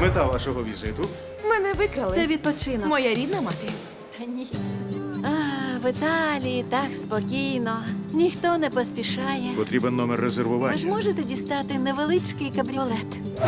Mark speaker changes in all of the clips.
Speaker 1: Мета вашого візиту?
Speaker 2: Мене викрали.
Speaker 3: Це відпочинок.
Speaker 2: Моя рідна мати.
Speaker 3: Та ні. В Італії так спокійно. Ніхто не поспішає.
Speaker 1: Потрібен номер
Speaker 3: Ви ж
Speaker 1: резервування.
Speaker 3: можете дістати невеличкий кабріолет.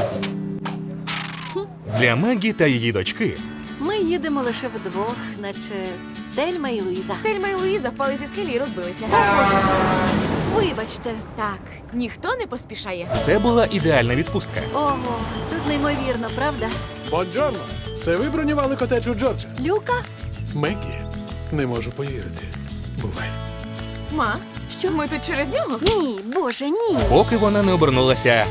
Speaker 4: Для Мегі та її дочки
Speaker 3: Ми їдемо лише вдвох, наче Тельма і Луїза.
Speaker 2: Тельма і Луїза впали зі скелі і розбилися.
Speaker 3: Вибачте.
Speaker 2: Так, ніхто не поспішає.
Speaker 4: це була ідеальна відпустка.
Speaker 3: Ого, тут неймовірно, правда?
Speaker 5: Бонджорно! Це ви бронювали котедж у Джорджа?
Speaker 3: Люка?
Speaker 5: Мегі, не можу повірити. Бувай.
Speaker 2: Ма, що ми тут через нього?
Speaker 3: Ні, боже, ні.
Speaker 4: Поки вона не обернулася.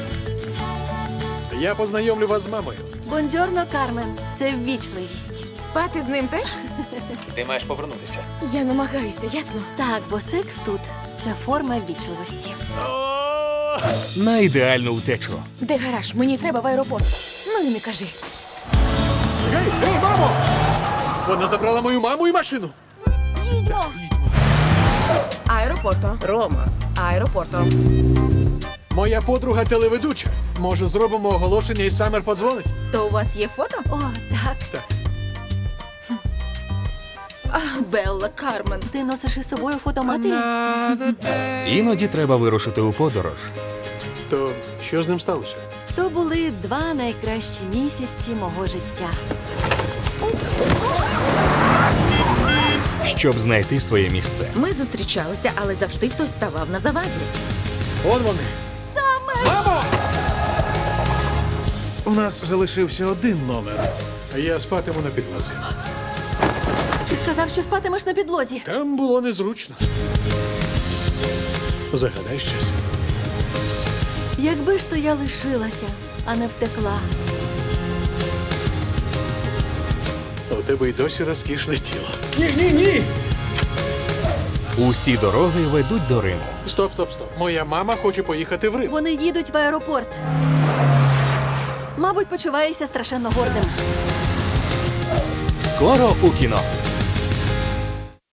Speaker 5: Я познайомлю вас з мамою.
Speaker 3: Бонджорно, Кармен. Це ввічливість.
Speaker 2: Спати з ним теж?
Speaker 6: Ти маєш повернутися.
Speaker 2: Я намагаюся, ясно?
Speaker 3: Так, бо секс тут це форма ввічливості.
Speaker 4: На ідеальну втечу.
Speaker 2: Де гараж? Мені треба в аеропорт. Ну і не кажи.
Speaker 5: Гей, мамо! Вона забрала мою маму і машину.
Speaker 3: Їдьмо!
Speaker 2: Аеропорто.
Speaker 6: Рома.
Speaker 2: Аеропорто.
Speaker 5: Моя подруга телеведуча. Може, зробимо оголошення і Самер подзвонить?
Speaker 2: То у вас є фото?
Speaker 3: О, так.
Speaker 2: Белла, Кармен.
Speaker 3: Ти носиш із собою фото матері?
Speaker 4: Іноді треба вирушити у подорож.
Speaker 5: То що з ним сталося?
Speaker 3: То були 2 найкращі місяці мого життя.
Speaker 4: Щоб знайти своє місце.
Speaker 2: Ми зустрічалися, але завжди хтось ставав на заваді.
Speaker 5: Он вони. Мамо!
Speaker 1: У нас залишився один номер.
Speaker 5: Я спатиму на підлозі.
Speaker 3: Ти сказав, що спатимеш на підлозі.
Speaker 5: Там було незручно. Загадай щось.
Speaker 3: Якби ж то я лишилася, а не втекла.
Speaker 5: У тебе й досі розкішне тіло.
Speaker 4: Усі дороги ведуть до Риму.
Speaker 5: Стоп. Моя мама хоче поїхати в Рим.
Speaker 3: Вони їдуть в аеропорт. Мабуть, почуваєшся страшенно гордим.
Speaker 4: Скоро у кіно.